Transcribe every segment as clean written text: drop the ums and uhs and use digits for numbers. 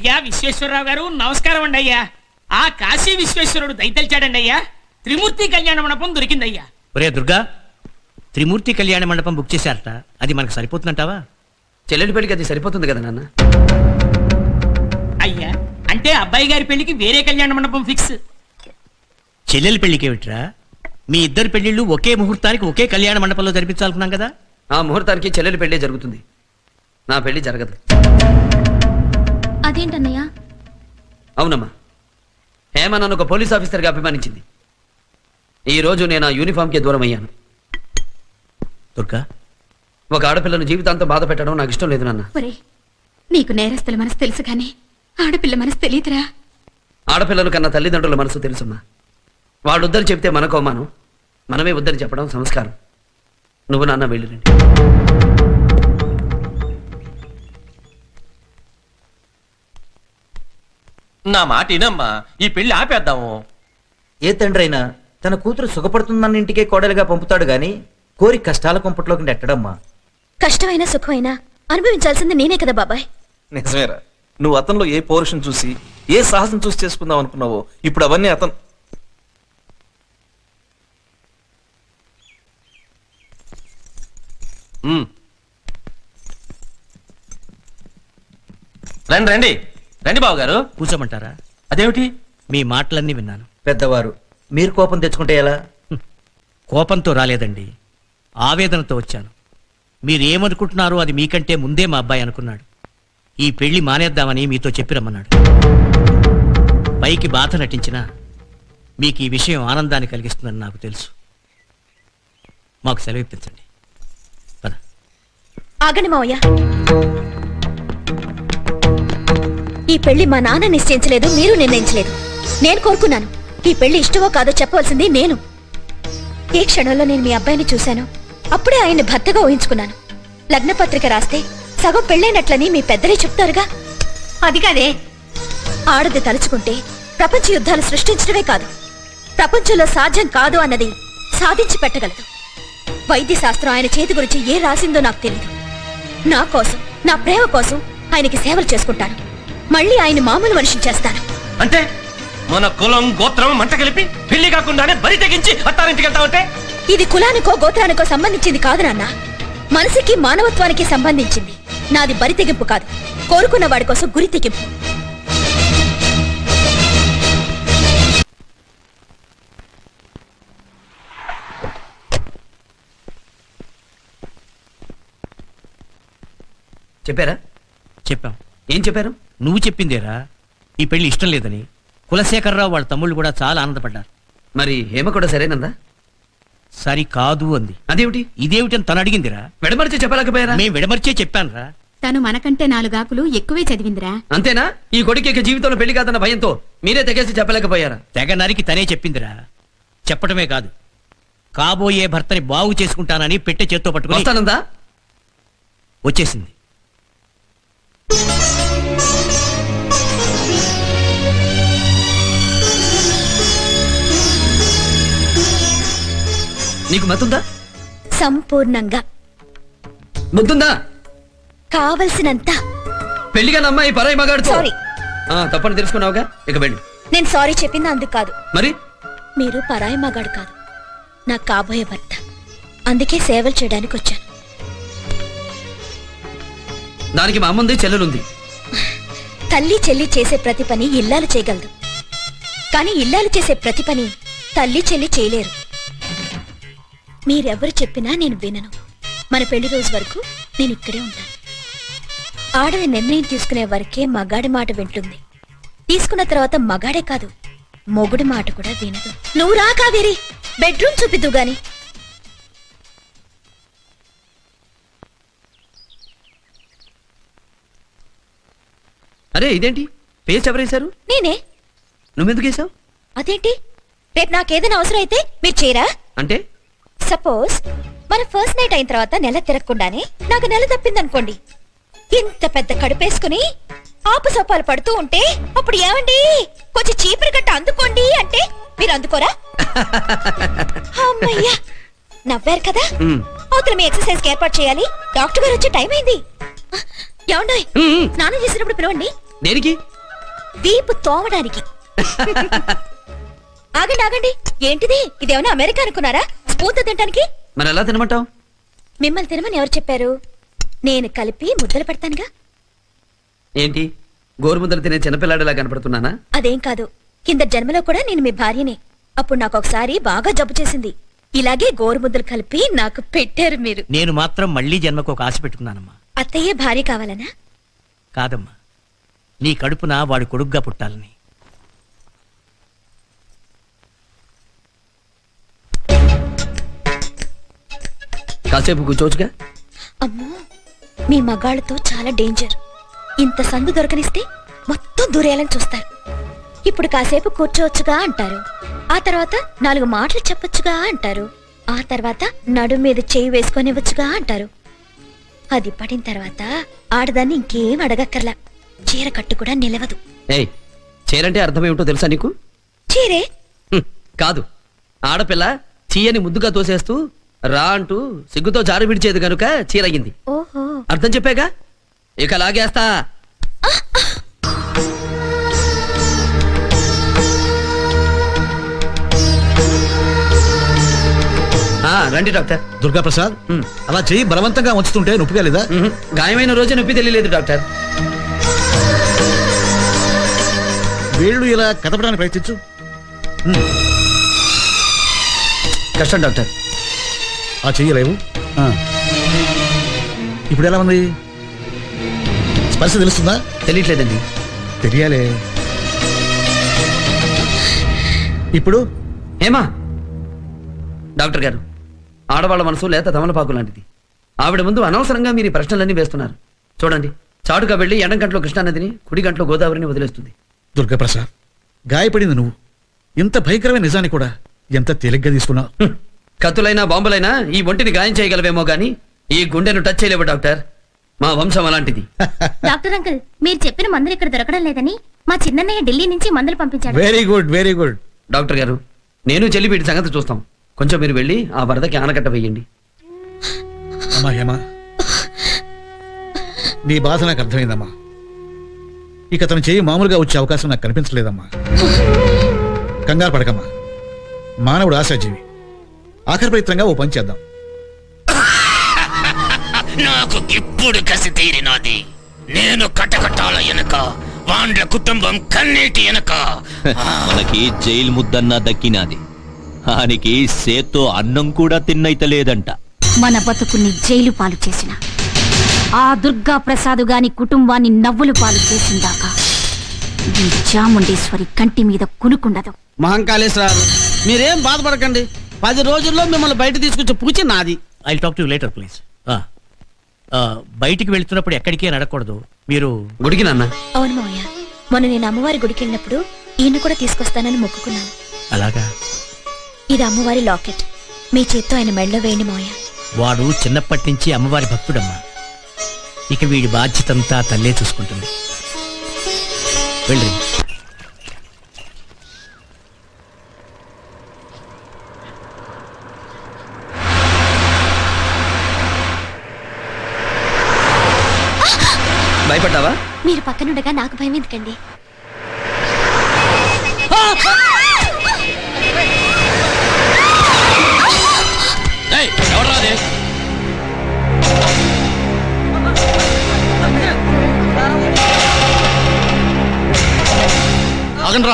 అయ్యా విశ్వేశ్వరరావు గారు నమస్కారం అండి అయ్యా. ఆ కాశీ విశ్వేశ్వరుడు దయతలిచాడండి అయ్యా. త్రిమూర్తి కళ్యాణ మండపం దొరికిందయ్యా. ఒరే దుర్గా, త్రిమూర్తి కళ్యాణ మండపం బుక్ చేశారట, అది మనకు సరిపోతుందంటావా? చెల్లెలి పెళ్లికి అది సరిపోతుంది కదా నాన్న. అయ్యా అంటే అబ్బాయి గారి పెళ్లికి వేరే కళ్యాణ మండపం ఫిక్స్. చెల్లెలి పెళ్లికేమిట్రా, మీ ఇద్దరు పెళ్లిళ్ళు ఒకే ముహూర్తానికి ఒకే కళ్యాణ మండపంలో జరిపించాలనుకున్నాం కదా. ఆ ముహూర్తానికి చెల్లెలి పెళ్లి జరుగుతుంది, నా పెళ్లి జరగదు. అదేంటన్నయ్య? అవునమ్మా, హేమ నన్ను ఒక పోలీస్ ఆఫీసర్గా అభిమానించింది. ఈ రోజు నేను ఆ యూనిఫామ్కి దూరం అయ్యాను. దుర్గా, ఒక ఆడపిల్లను జీవితాంతం బాధ పెట్టడం నాకు ఇష్టం లేదు నాన్న. ఒరే, నీకు నేరస్తుల మనసు తెలుసు కానీ ఆడపిల్ల మనసు తెలియదురా. ఆడపిల్లల కన్నా తల్లిదండ్రుల మనసు తెలుసమ్మా. వాళ్ళు వద్దని చెప్తే మనకు అవమానం, మనమే వద్దని చెప్పడం సంస్కారం. నువ్వు నాన్న వెళ్ళిరండి. నా మాట వినమ్మా, ఈ పెళ్లి ఆపేద్దాము. ఏ తండ్రి అయినా తన కూతురు సుఖపడుతుందన్న ఇంటికే కోడలుగా పంపుతాడు గాని కోరి కష్టాల కొంపట్లోకి నెట్టడమ్మా. కష్టమైనా సుఖమైనా అనుభవించాల్సింది నేనే కదా బాబాయ్. నిజమేరా, నువ్వు అతనిలో ఏ పౌరుషం చూసి ఏ సాహసం చూసి చేసుకుందాం అనుకున్నావో ఇప్పుడు అవన్నీ అతను. రండి రండి రండి బాబు గారు. కూర్చోమంటారా? అదేమిటి? మీ మాటలన్నీ విన్నాను. పెద్దవారు మీరు కోపం తెచ్చుకుంటే ఎలా? కోపంతో రాలేదండి, ఆవేదనతో వచ్చాను. మీరు ఏమనుకుంటున్నారో అది మీకంటే ముందే మా అబ్బాయి అనుకున్నాడు. ఈ పెళ్లి మానేద్దామని మీతో చెప్పి రమ్మన్నాడు. పైకి బాధ నటించినా మీకు ఈ విషయం ఆనందాన్ని కలిగిస్తుందని నాకు తెలుసు. మాకు సెలవు ఇప్పించండి. పద. ఆగండి మావయ్య, ఈ పెళ్లి మా నాన్న నిశ్చయించలేదు, మీరు నిర్ణయించలేదు. నేను కోరుకున్నాను. ఈ పెళ్లి ఇష్టమో కాదో చెప్పవలసింది నేను. ఏ క్షణంలో నేను మీ అబ్బాయిని చూశాను అప్పుడే ఆయన్ని భర్తగా ఊహించుకున్నాను. లగ్నపత్రిక రాస్తే సగం పెళ్ళైనట్లని మీ పెద్దలే చెప్తారుగా. అది కాదే, ఆడది తలుచుకుంటే ప్రపంచ యుద్ధాలు సృష్టించడమే కాదు, ప్రపంచంలో సాధ్యం కాదు అన్నది సాధించి పెట్టగలదు. వైద్య శాస్త్రం ఆయన చేతి గురించి ఏ రాసిందో నాకు తెలియదు. నా కోసం, నా ప్రేమ కోసం ఆయనకి సేవలు చేసుకుంటాను. మళ్ళీ ఆయన మామూలు మనిషిని చేస్తాను. అంటే మన కులం గోత్రం మంట కలిపి పెళ్లి కాకుండానే బరి తెగించి అత్తారింటికి వెళ్తావంటే? ఇది కులానికో గోత్రానికో సంబంధించింది కాదు నాన్న, మనసుకి మానవత్వానికి సంబంధించింది. నాది బరి తెగింపు కాదు, కోరుకున్న వాడి కోసం గురి తెగింపు. చెప్పారా? చెప్పాం. ఏం చెప్పారు? నువ్వు చెప్పిందేరా, ఈ పెళ్లి ఇష్టం లేదని. కులశేఖరరావు వాళ్ళ తమ్ముళ్ళు కూడా చాలా ఆనందపడ్డారు. మరి హేమ కూడా సరేనందా? సరి కాదు అంది. అదేమిటి? ఇదేమిటని తను అడిగిందిరా. విడమరిచి చెప్పలేకపోయారా? మేము విడమర్చే చెప్పానురా. తను మనకంటే 4 ఆకులు ఎక్కువే చదివిందిరా. అంతేనా? ఈ కొడుకు జీవితంలో పెళ్లి కాదన్న భయంతో మీరే తెగేసి చెప్పలేకపోయారా? తెగ నరికి తనే చెప్పిందిరా. చెప్పటమే కాదు, కాబోయే భర్తని బాగు చేసుకుంటానని పెట్టె చేత్తో పట్టుకుని వస్తానందా? వచ్చేసింది. నీకు మతుందా? సంపూర్ణంగా. ముద్దుందా? కావలసినంత. పెళ్లిగా అమ్మాయి పరాయి మగాడుతో. సారీ. తప్పని తెలుసుకున్నావుగా, ఇక వెళ్ళు. నేను సారీ చెప్పింది అందుకు కాదు. మరి మీరు పరాయి మగాడు కాదు, నాకు కాబోయే భర్త. అందుకే సేవలు చేయడానికి వచ్చాను. దానికి మా అమ్ముంది, చెల్లెలుంది. తల్లి చెల్లి చేసే ప్రతి పని ఇల్లాలు చేయగలదు, కానీ ఇల్లాలు చేసే ప్రతి పని తల్లి చెల్లి చేయలేరు. మీరెవరు చెప్పినా నేను వినను. మన పెళ్లి రోజు వరకు నేను ఇక్కడే ఉంటాను. ఆడది నిర్ణయం తీసుకునే వరకే మగాడి మాట వింటుంది. తీసుకున్న తర్వాత మగాడే కాదు, మొగుడి మాట కూడా వినదు. నువ్వు రా కావేరి, బెడ్రూమ్ చూపిద్దు గాని. అరే ఇదేంటి పేస్ట్ ఎవరేశారు? నేనే. నువ్వెందుకు వేసావు? అదేంటి, రేపు నాకేదైనా అవసరం అయితే మీరు చేయరా? అంటే సపోజ్ మన ఫస్ట్ నైట్ అయిన తర్వాత నెల తిరగకుండానే నాకు నెల తప్పిందనుకోండి, ఇంత పెద్ద కడుపేసుకుని ఆపసోపాలు పడుతూ ఉంటే అప్పుడు ఏమండి కొంచెం చీపురు గట్ట అందుకోండి అంటే మీరు అందుకోరా? అమ్మయ్యా, నవ్వారు కదా. అవతల మీ ఎక్సర్సైజ్ కి ఏర్పాటు చేయాలి. డాక్టర్ గారు వచ్చే టైం అయింది. ఏమండోయ్, స్నానం చేసినప్పుడు పిలవండి. దేనికి? వీపు తోమడానికి. ఆగండి ఆగండి, ఏంటిది? ఇదేమన్నా అమెరికా అనుకున్నారా స్పూన్తో తినడానికి? మరి ఎలా తినమంటావు? మిమ్మల్ని తినమని ఎవరు చెప్పారు? నేను కలిపి ముద్దలు పెడతానుగా. ఏంటి గోరుముద్దలు తినే చిన్నపిల్లాడిలా కనపడుతున్నానా? అదేం కాదు, కింద జన్మలో కూడా నేను మీ భార్యనే. అప్పుడు నాకు ఒకసారి బాగా జబ్బు చేసింది. ఇలాగే గోరుముద్దలు కలిపి నాకు పెట్టారు మీరు. నేను మాత్రం మళ్ళీ జన్మకు ఒక ఆశ పెట్టుకున్నానమ్మా. అత్తయ్య భార్య కావాలనా? కాదమ్మా, నీ కడుపున వాడు కొడుగ్గా పుట్టాలని. కాసేపు కూర్చోవచ్చుగా. అమ్మో, మీ మగాళ్ళతో చాలా డేంజర్. ఇంత సందు దొరకనిస్తే మొత్తం దూరేయాలని చూస్తారు. ఇప్పుడు కాసేపు కూర్చోవచ్చుగా అంటారు, ఆ తర్వాత 4 మాటలు చెప్పొచ్చుగా అంటారు, ఆ తర్వాత నడుం మీద చేయి వేసుకొనివ్వచ్చుగా అంటారు. అది పడిన తర్వాత ఆడదాన్ని ఇంకేం అడగక్కర్లా. చీర కట్టు కూడా నిలవదు. ఏయ్, చీరంటే అర్థమేమిటో తెలుసా నీకు? చీరే కాదు, ఆడపిల్ల చీయని ముద్దుగా తోసేస్తూ రా అంటూ సిగ్గుతో జారు విడిచేది గనుక చీరగింది. ఓహో, అర్థం చెప్పాగా, ఇక లాగేస్తా. రండి డాక్టర్. దుర్గా ప్రసాద్, ఉమ్. అలా చెయ్యి బలవంతంగా ఉంచుతుంటే నొప్పిగా లేదా? గాయమైన రోజే నొప్పి తెలియలేదు డాక్టర్. వేళ్ళు ఇలా కదపడానికి ప్రయత్నించు. కష్టం డాక్టర్. ఆ చెయ్యలేవు. ఇప్పుడు ఎలా ఉంది? స్పర్శ తెలుస్తుందా? తెలియట్లేదండి. తెలియాలే. ఇప్పుడు ఏమా డాక్టర్ గారు, ఆడవాళ్ళ మనసు లేత తమలపాకు లాంటిది. ఆవిడ ముందు అనవసరంగా మీరు ఈ ప్రశ్నలన్నీ వేస్తున్నారు. చూడండి, చాటుగా వెళ్లి ఎడం గంటలో కృష్ణానదిని, కుడి గంటలో గోదావరిని వదిలేస్తుంది. దుర్గా ప్రసాద్, గాయపడింది నువ్వు. ఇంత భయంకరమైన నిజాన్ని కూడా ఎంత తేలిగ్గా తీసుకున్నావు. కత్తులైనా బాంబులైనా ఈ ఒంటిని గాయం చేయగలవేమో గాని ఈ గుండెను టచ్ చేయలేవు డాక్టర్. మా వంశం అలాంటిది. డాక్టర్ అంకుల్, మీరు చెప్పిన మందులు ఇక్కడ దొరకడం లేదని మా చిన్నన్నయ్య ఢిల్లీ నుంచి మందులు పంపించాడు. Very good, very good. Doctor గారు, నేను చెల్లి వీటి సంగతి చూస్తాం. కొంచెం మీరు వెళ్ళి ఆ వరదకి ఆనకట్ట వేయండి. అమ్మా హేమా, నీ బాధ నాకు అర్థమైందమ్మా. ఇక అతను చేయి మామూలుగా వచ్చే అవకాశం నాకు కనిపించలేదమ్మా. కంగారు పడకమ్మా, మానవుడు ఆశాజీవి. ఆఖరి ప్రయత్నంగా ఓ పని చేద్దాం. నాకు ఇప్పుడు కసి తీరినది. నేను కటకటాల ఎనక వాండ్ల కుటుంబం కన్నీటి ఎనక మనకి జైలు ముద్దన్నా దక్కినాది. ఆనికి సేత్తో అన్నం కూడా తిన్నైతలేదంట. మన బతుకుని జైలు పాలు చేసిన ఆ దుర్గా ప్రసాద్ గాని కుటుంబాన్ని నవ్వులు పాలు చేసిందాకా ఈ చాముండేశ్వరి కంటి మీద కునుకుండదు. మహంకాళేశ్వరారు, మీరేం బాధపడకండి. 10 రోజుల్లో మిమ్మల్ని బయట తీసుకొచ్చే పూచి నాది. I talk to later please. బయటికి వెళ్తున్నప్పుడు ఎక్కడికి నడకూడదు. మీరు గుడికి నాన్న. అవును మావయ్య, మొన్న నేను అమ్మవారి గుడికి వెళ్ళినప్పుడు ఈయన కూడా తీసుకొస్తానని మొక్కుకున్నాను. అలాగా? ఇది అమ్మవారి లాకెట్. మీ చేత్తో ఆయన మెడలో వేయండి మావయ్య. వాడు చిన్నప్పటి నుంచి అమ్మవారి భక్తుడమ్మా. ఇక వీడి బాధ్యతంతా తల్లే చూసుకుంటుంది. వెళ్ళి భయపడ్డావా? మీరు పక్కనుండగా నాకు భయం ఎందుకండి? ఆగండ్రా.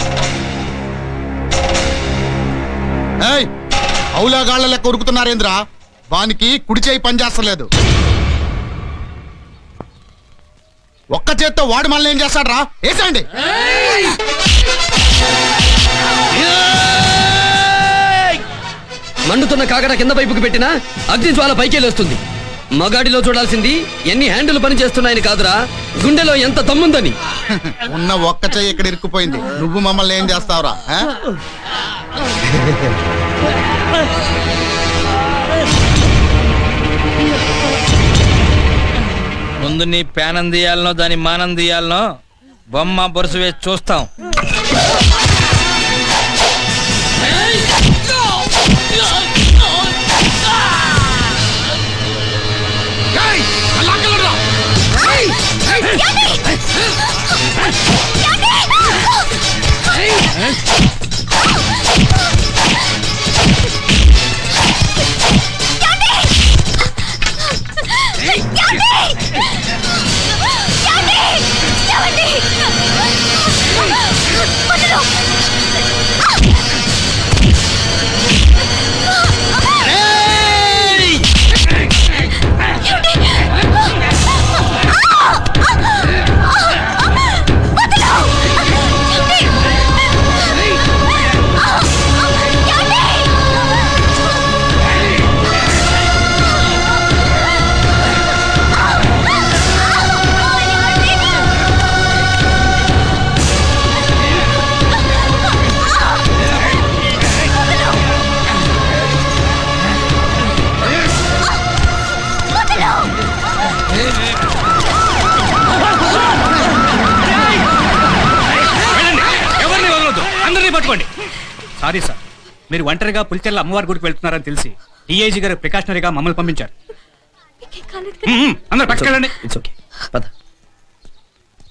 ఏయ్, అవులాగాళ్ల లెక్క ఉరుకుతున్నారేంద్రా? వానికి కుడి చేయి పనిచేస్తలేదు. ఒక్క చేత్తో వాడు మనల్ని ఏం చేస్తాడ్రా? వేసండి. మండుతున్న కాకర కింద వైపుకి పెట్టినా అగ్ని జ్వాల పైకెళ్ళొస్తుంది. మగాడిలో చూడాల్సింది ఎన్ని హ్యాండిల్ పని చేస్తున్నాయని కాదురా, గుండెలో ఎంత దమ్ముందని. ఉన్న ఒక్క చెయ్యి ఇక్కడ ఇరుక్కుపోయింది. నువ్వు మమ్మల్ని ఏం చేస్తావురా? ముందు నీ పేనం తీయాలనో దాని మానం తీయాలనో బొమ్మ బొరుసు వేసి చూస్తాం. ఏమండి? ఎవరిని వదలొద్దు, అందరినీ పట్టుకోండి. సారీ సార్, మీరు ఒంటరిగా పులిచెర్ల అమ్మవారి గుడికి వెళ్తున్నారని తెలిసి డిఐజీ గారు ప్రికాషనరీగా మమ్మల్ని పంపించారు. అందరు పట్టుకెళ్ళండి. ఇట్స్ ఓకే, పద.